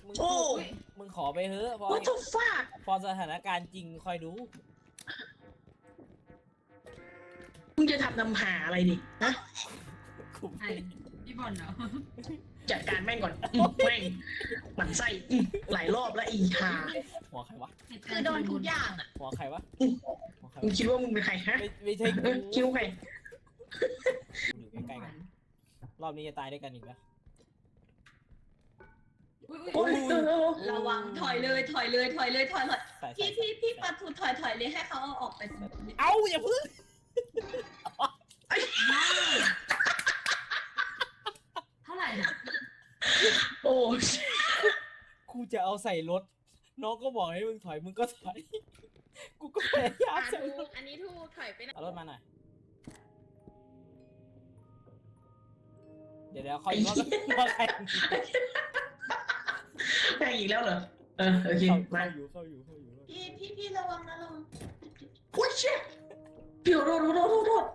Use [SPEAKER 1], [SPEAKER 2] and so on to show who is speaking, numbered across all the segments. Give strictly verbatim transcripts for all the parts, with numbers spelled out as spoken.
[SPEAKER 1] มึง
[SPEAKER 2] โอ้
[SPEAKER 1] มึงขอไปเถอะพอ
[SPEAKER 2] what the fuck
[SPEAKER 1] พอสถานการณ์จริงคอยดู
[SPEAKER 2] มึงจะทำนำหาอะไรดินะ
[SPEAKER 1] คุ้ม
[SPEAKER 3] ใครพี่บอลเหรอ
[SPEAKER 2] จัดการแม่งก่อนอืมแม่งหมันไส้อืมหลายรอบแล้วอีหา
[SPEAKER 1] หัวใครวะ
[SPEAKER 4] คือโดนทุกอย่างอ่ะ
[SPEAKER 1] หัวใครวะ
[SPEAKER 2] อืม
[SPEAKER 1] หัวใคร
[SPEAKER 2] มึง
[SPEAKER 1] วะ
[SPEAKER 2] คิดว่ามึงเป็นใครฮะ
[SPEAKER 1] ไม่ไม่ใช่
[SPEAKER 2] เอ
[SPEAKER 1] กู
[SPEAKER 2] อคิดว่าใคร
[SPEAKER 1] อยู่ใกล้ๆกันรอบนี้จะตายด้วยกันอีกแล้ว
[SPEAKER 3] อุ้ยอุ้ย
[SPEAKER 2] โอ้ยเออเออ
[SPEAKER 4] ระวังถอยเลยถอยเลยถอยเลยถอยเลย
[SPEAKER 1] ใส่ใส่
[SPEAKER 4] พี่พี่พี่ปะทูถอยถอยเลยให้เขาเอาออกไป
[SPEAKER 1] เอ้าอย่าพึ่ง
[SPEAKER 3] เท่าไหร่เนี่ย
[SPEAKER 2] โอ้
[SPEAKER 1] กูจะเอาใส่รถน้องก็บอกให้มึงถอยมึงก็ถอยกูก็พยายาม
[SPEAKER 5] อ่ะ
[SPEAKER 1] ใส่
[SPEAKER 5] ถู
[SPEAKER 1] ร
[SPEAKER 5] ก
[SPEAKER 1] ถ
[SPEAKER 5] อันนี้ถูกถอยไปไหน
[SPEAKER 1] เอารถมาหน่อยเดี๋ยวเดี๋ยวคอยรอบรอบใคร
[SPEAKER 2] แม่งอีกแล้วเหรอเออโอเค
[SPEAKER 1] เข้า
[SPEAKER 2] มา
[SPEAKER 1] อยู่เข้าอยู่เข้าอยู่
[SPEAKER 4] พี่พี่พี่ระวังนะระวัง
[SPEAKER 2] โอ้ยเชี่ยพี่โทษโทษโทษโทษโทษ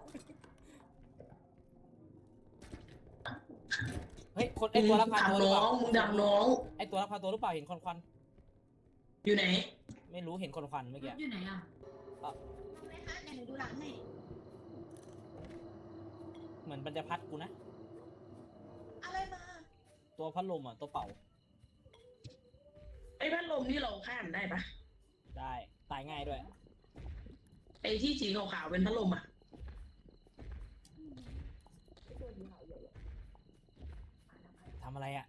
[SPEAKER 1] เฮ้ยคนไอตัวรับพาตัวหรือ
[SPEAKER 2] น้
[SPEAKER 1] เป
[SPEAKER 2] อ
[SPEAKER 1] ล่าง
[SPEAKER 2] มึงดับน้อง
[SPEAKER 1] ไอตัวรับพาตัวหรือเปล่าเห็นควันควัน
[SPEAKER 2] อยู่ไหน
[SPEAKER 1] ไม่รู้เห็นควันควันเมื่อกี้
[SPEAKER 3] อยู่ไหนอ่ะ
[SPEAKER 4] ไหมคะเดี๋ยวหนูดูหลังให้
[SPEAKER 1] เหมือนมันจะพัดกูนะ
[SPEAKER 4] อะไรมา
[SPEAKER 1] ตัวพัดลมอ่ะตัวเป่า
[SPEAKER 2] ไอ้พัดลมนี่เราข้ามได้ปะ
[SPEAKER 1] ได้ตายง่ายด้วย
[SPEAKER 2] ไอ้ที่สีขาวๆเป็นพัดลมอ่ะ
[SPEAKER 1] ทำอะไรอ่ะ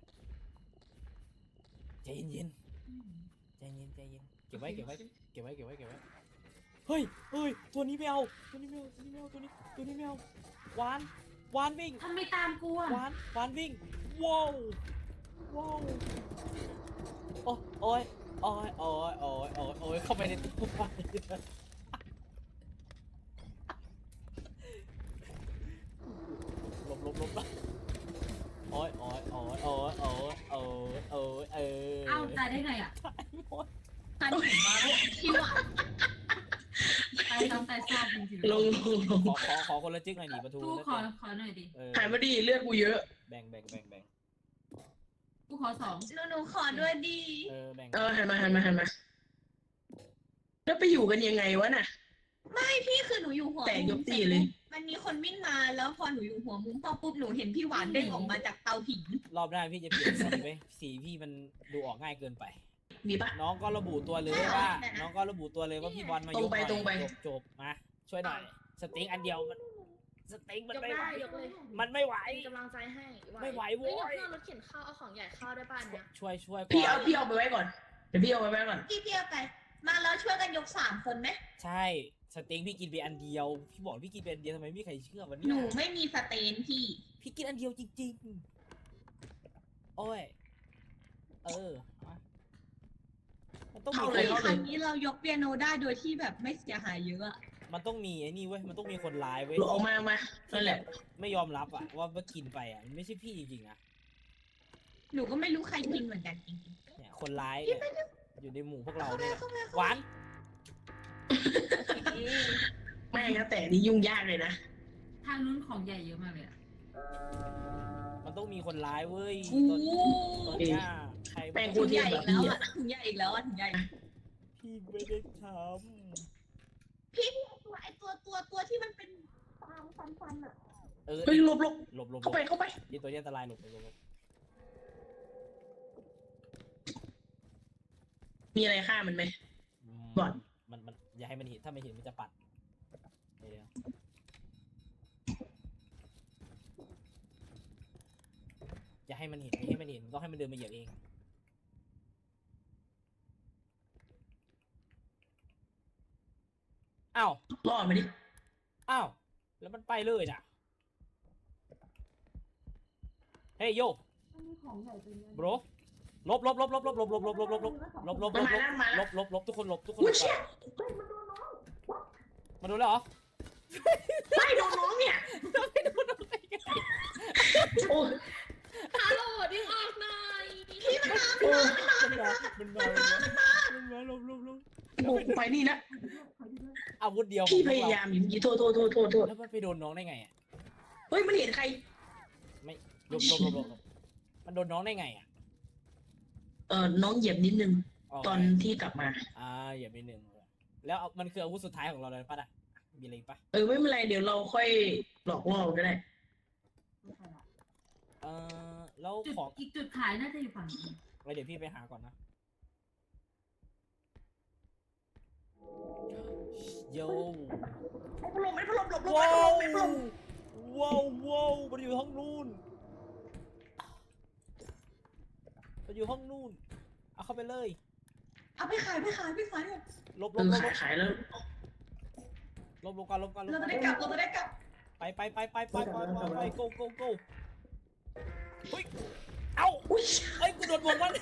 [SPEAKER 1] ใจเย็นๆใจเย็นใจเย็นเก็บไว้เก็บไว้เก็บไว้เก็บไว้เก็บไว้เฮ้ยเฮ้ยตัวนี้ไม่เอาตัวนี้ไม่เอาตัวนี้ไม่เอาตัวนี้ตัวนี้ไม่เอาหวานหวานวิ่ง
[SPEAKER 3] ทำไมตามกูอ่ะ
[SPEAKER 1] หวานหวานวิ่งว้าวว้าวโอ้โอ้ยโอ้ยโอ้ยโอ้ยโอ้ยโอ้ยเข้าไปในตู้ไฟหลบหลบหลบโอ้ยโอ้ยโอ้ยโอ้ยโอ้ยโอ้ยโอ้ยเออ
[SPEAKER 3] เอ้าตายได้ไงอ่ะ
[SPEAKER 1] ตายหมด
[SPEAKER 4] ทันเห็นมาพี่หวาน
[SPEAKER 3] ตายซ้ำตายซากจริง
[SPEAKER 2] ลงลงลง
[SPEAKER 1] ขอขอขอคนละจึ๊กหน่อยดิประตู
[SPEAKER 3] ๆกูขอขอหน่อยดิ
[SPEAKER 1] เออ
[SPEAKER 2] หายมาดีเลือดกูเยอะ
[SPEAKER 1] แบ่งแบ่งแบ่งแบ่ง
[SPEAKER 3] กูขอสอง
[SPEAKER 4] หนูหนูขอด้วยดี
[SPEAKER 1] เออแบ่ง
[SPEAKER 2] เออหันมาหันมาหันมาแล้วไปอยู่กันยังไงวะน่ะ
[SPEAKER 4] ไม่พี่คือหนูอยู่หัว
[SPEAKER 2] แต่
[SPEAKER 4] มุ
[SPEAKER 2] ย
[SPEAKER 4] ม
[SPEAKER 2] กตีเลย
[SPEAKER 4] มันมีคนวิ่งมาแล้วพอหนูอยู่หัวมุมพอปุ๊บหนูเห็นพี่หวานเด้งออกมาจากเตาผิง
[SPEAKER 1] รอบหน้าพี่จะเปลี่ยนสีไปสีพี่มันดูออกง่ายเกินไป
[SPEAKER 2] มีปะ
[SPEAKER 1] น้องก็ระบุตัวเลยว่า น้องก็ระบุตัวเลยว่าพี่บอลมา
[SPEAKER 2] ต
[SPEAKER 1] ย
[SPEAKER 2] รง
[SPEAKER 1] ก
[SPEAKER 2] ไป
[SPEAKER 1] หน่อย
[SPEAKER 2] ตรงไป
[SPEAKER 1] จบจบมาช่วยหน่อยสติ๊กอันเดียวมันสติ๊กมัน
[SPEAKER 5] ยก
[SPEAKER 1] ไม่ไหว
[SPEAKER 5] ได้ยกเลย
[SPEAKER 1] มันไม่ไหว
[SPEAKER 5] เป็นกำลังใจให้
[SPEAKER 1] ไม่ไหวโว้
[SPEAKER 5] เฮ้
[SPEAKER 1] ย
[SPEAKER 5] ยเดี๋ยวเพื่อนรถเข็นข้าวเอาของใหญ่เข้าได้ป่ะเนี่ย
[SPEAKER 1] ช่วยช่วย
[SPEAKER 2] พี่เอา
[SPEAKER 1] ก่น
[SPEAKER 2] พี่เอาไปไว้ก่อนเดี๋ยวพี่เอาไปไว้ก่อน
[SPEAKER 4] พี่พี่เอาไป มาแล้วช่วยกันยกสามคนไหม
[SPEAKER 1] ใช่สติ๊กพี่กินไปอันเดียว พี่บอกพี่กินไปอันเดียวทำไมไม่มีใครเชื่อวันนี้
[SPEAKER 4] หนูไม่มีสเตนพี่
[SPEAKER 1] พี่กินอันเดียวจริงๆโอ้ยเออมามันต้องมี
[SPEAKER 2] เข้า
[SPEAKER 1] ค
[SPEAKER 2] เลย
[SPEAKER 1] น
[SPEAKER 2] เข้า
[SPEAKER 4] ค
[SPEAKER 2] เล
[SPEAKER 4] รั้
[SPEAKER 2] ย
[SPEAKER 4] งนี้เรายกเปียโนได้โดยที่แบบไม่เสียหายเยอะอะ
[SPEAKER 1] มันต้องมีไอ้นี่เว้ยมันต้องมีคนร้ายเว้ย
[SPEAKER 2] หลบออกมาออกมานั่นแหละ
[SPEAKER 1] ไม่ยอมรับอ่ะว่าว่ากินไปอ่ะมันไม่ใช่พี่จริงๆนะ
[SPEAKER 4] หนูก็ไม่รู้ใครกินเหมือนกันจริง
[SPEAKER 1] เนี่ยคนร้ายเนี่ยอยู่ในหมู่พวก
[SPEAKER 4] ๆ
[SPEAKER 1] เรา
[SPEAKER 4] เข้าไป
[SPEAKER 1] เนี่ย
[SPEAKER 4] เข้าไป
[SPEAKER 1] หวาน
[SPEAKER 2] แม่งนะแต่นี่ยุ่งยากเลยนะ
[SPEAKER 3] ทางนู้นของใหญ่เยอะมากเลยอ่ะ
[SPEAKER 1] มันต้องมีคนร้ายเว้ย
[SPEAKER 4] โอ้
[SPEAKER 1] ตอนตอนเนี้ยใคร
[SPEAKER 2] แม่ง
[SPEAKER 4] ถุงใหญ่อีกแล้วอะถุงใหญ่อีกแล้วอะถุงใหญ่
[SPEAKER 1] พี่ไม่ได้ท
[SPEAKER 4] พี่ตัวไอตัวตัวตัวที่มันเป็นฟางฟันฟันอะ
[SPEAKER 1] ำเออ
[SPEAKER 2] เฮ้ยหลบหลบ
[SPEAKER 1] หลบหลบหล
[SPEAKER 2] เข้า
[SPEAKER 1] บ
[SPEAKER 2] ไปเข้าไป
[SPEAKER 1] ที่ตัวนี้อันตรายหลบหลบหลบหลบ
[SPEAKER 2] มีอะไรฆ่ามันไหม
[SPEAKER 1] ม
[SPEAKER 2] ก่อน
[SPEAKER 1] มันมันอย่าให้มันเห็นถ้าไม่เห็นมันจะปัดเดี๋ยวเดี๋ยวอย่าให้มันเห็นไม่ให้มันเห็นต้องให้มันเดินมาเหยียบเองอ้าว
[SPEAKER 2] รอดมาดิ
[SPEAKER 1] อ้าวแล้วมันไปเลยน่ะเฮ้ยโย
[SPEAKER 4] มันมีของใหญ่เป็น
[SPEAKER 1] บรลบลบลบลบลบลบลบลบลบลบลบลบลบลบ
[SPEAKER 2] มันมาแล้วมา
[SPEAKER 1] ล
[SPEAKER 2] แล้ว
[SPEAKER 1] บลบลบทุกคนลบทุกคน
[SPEAKER 2] อุ้
[SPEAKER 1] ล
[SPEAKER 2] ย
[SPEAKER 1] บ
[SPEAKER 2] เชี่ย
[SPEAKER 1] มาดูแล้วเหรอ
[SPEAKER 2] ไม่โดนน้องเนี่ยโอ้ย
[SPEAKER 5] ฮัลโหลดึงออกหน่อย
[SPEAKER 4] พี่มันมา
[SPEAKER 2] โอ้ย
[SPEAKER 1] มันมามันมามันมามันมาลบลบลบ
[SPEAKER 2] โอ้ยไปนี่นะ
[SPEAKER 1] อาวุธเดียว
[SPEAKER 2] พี่
[SPEAKER 1] ของ
[SPEAKER 2] พ
[SPEAKER 1] พวก
[SPEAKER 2] ยา
[SPEAKER 1] เร
[SPEAKER 2] ยามอยู่เมื่อกี้โทษโทษโทษโทษโทษ
[SPEAKER 1] แล้วมันไปโดนน้องได้ไงอ่ะ
[SPEAKER 2] เฮ้ยมันเห็นใคร
[SPEAKER 1] ไม่ลบลบลบลบมันโดนน้องได้ไงอ่ะ
[SPEAKER 2] เออน้องเหยียบนิดนึง
[SPEAKER 1] โเค
[SPEAKER 2] ตอนที่กลับมา
[SPEAKER 1] อ่าอย่าไปหนึ่งแล้วเอามันคืออาวุธสุดท้ายของเราเลยปะน่ะมีอะไรอีกปะ
[SPEAKER 2] เออไม่เป็นไรเดี๋ยวเราค่อยหลอกล่อก็ได้
[SPEAKER 1] เออแล้ว
[SPEAKER 3] จุด
[SPEAKER 1] ของ
[SPEAKER 3] อีกจุดขายน่าจะอยู่ฝั่งนี้
[SPEAKER 1] ไว้เดี๋ยวพี่ไปหาก่อนนะโย
[SPEAKER 2] ไม่พัดลมไม่พัดลมหลบหลบ
[SPEAKER 1] ว้า
[SPEAKER 2] ไม่พัดล
[SPEAKER 1] ว
[SPEAKER 2] มไม่พัดลม
[SPEAKER 1] ว้าวว้าวมันอยู่ห้องนู่นมันอยู่ห้องนู่นเอาเข้าไปเลย
[SPEAKER 4] เอาไปขายไปขายไปขายเนี่ย
[SPEAKER 1] ลบล
[SPEAKER 2] เอบ อ
[SPEAKER 1] ลบ
[SPEAKER 2] ขายขายแล้ว
[SPEAKER 1] ลบลบกันลบกันลบ
[SPEAKER 4] เรา
[SPEAKER 1] กั
[SPEAKER 4] จะ
[SPEAKER 1] น
[SPEAKER 4] ได้กลับเราจะได้กลับ
[SPEAKER 1] ไปไปไปไปไปไปไปไป go go go เฮ้ยเอ้า
[SPEAKER 2] อุ้ย
[SPEAKER 1] เอ้ยกูโดนบวกมัน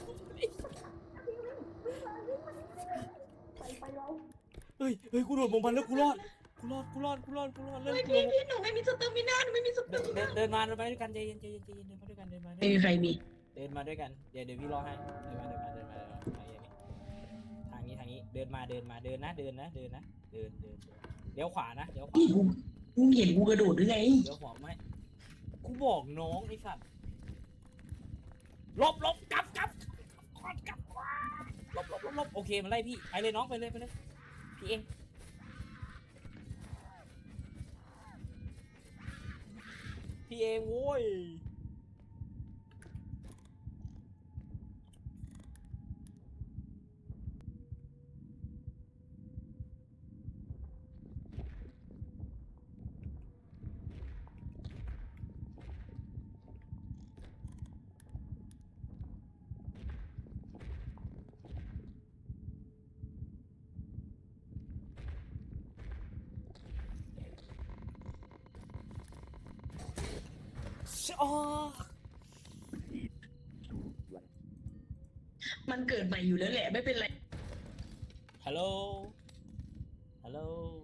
[SPEAKER 4] ไปไปเรา
[SPEAKER 1] เฮ้ยเฮ้ยกูโดนบวกมันแล้วกูรอดกูรอดกูรอดกูรอดกูรอดเล่น
[SPEAKER 4] เฮ้ย
[SPEAKER 1] กู
[SPEAKER 4] พี่พี่หนูไม่มีสเตอร์มินาหนูไม่มีสเตอ
[SPEAKER 1] เดิน
[SPEAKER 4] ร์มิ
[SPEAKER 1] เดิ
[SPEAKER 4] นาน
[SPEAKER 1] เดินมาเดินมาด้วยกันใจเย็นใจเย็นใจเย็นเดินมาด้วยกันเดินมาด้วย
[SPEAKER 2] ไม่มี
[SPEAKER 1] กัน
[SPEAKER 2] ใครมี
[SPEAKER 1] เดินมาด้วยกันเดี๋ยวเดี๋ยวพี่รอให้เดินมาเดินมาเดินมาเดินมาทางนี้ทางนี้เดินมาเดินมาเดินนะเดินนะเดินนะเดินเดินเดินเลี้ยวขวานะเลี้ยวขวา
[SPEAKER 2] นี่กูมึงเห็นกูกระโดดหรือไง
[SPEAKER 1] เลี้ยวขวาไหมกูบอกน้องไอ้สัตว์ลบลบกลับกลับกลับกลับลบลบลบลบโอเคมันไล่พี่ไปเลยน้องไปเลยไปเลยพี่เองพี่เองโว้ยอ๋อ
[SPEAKER 2] มันเกิดใหม่อยู่แล้วแหละไม่เป็นไร
[SPEAKER 1] ฮัลโหลฮัลโหล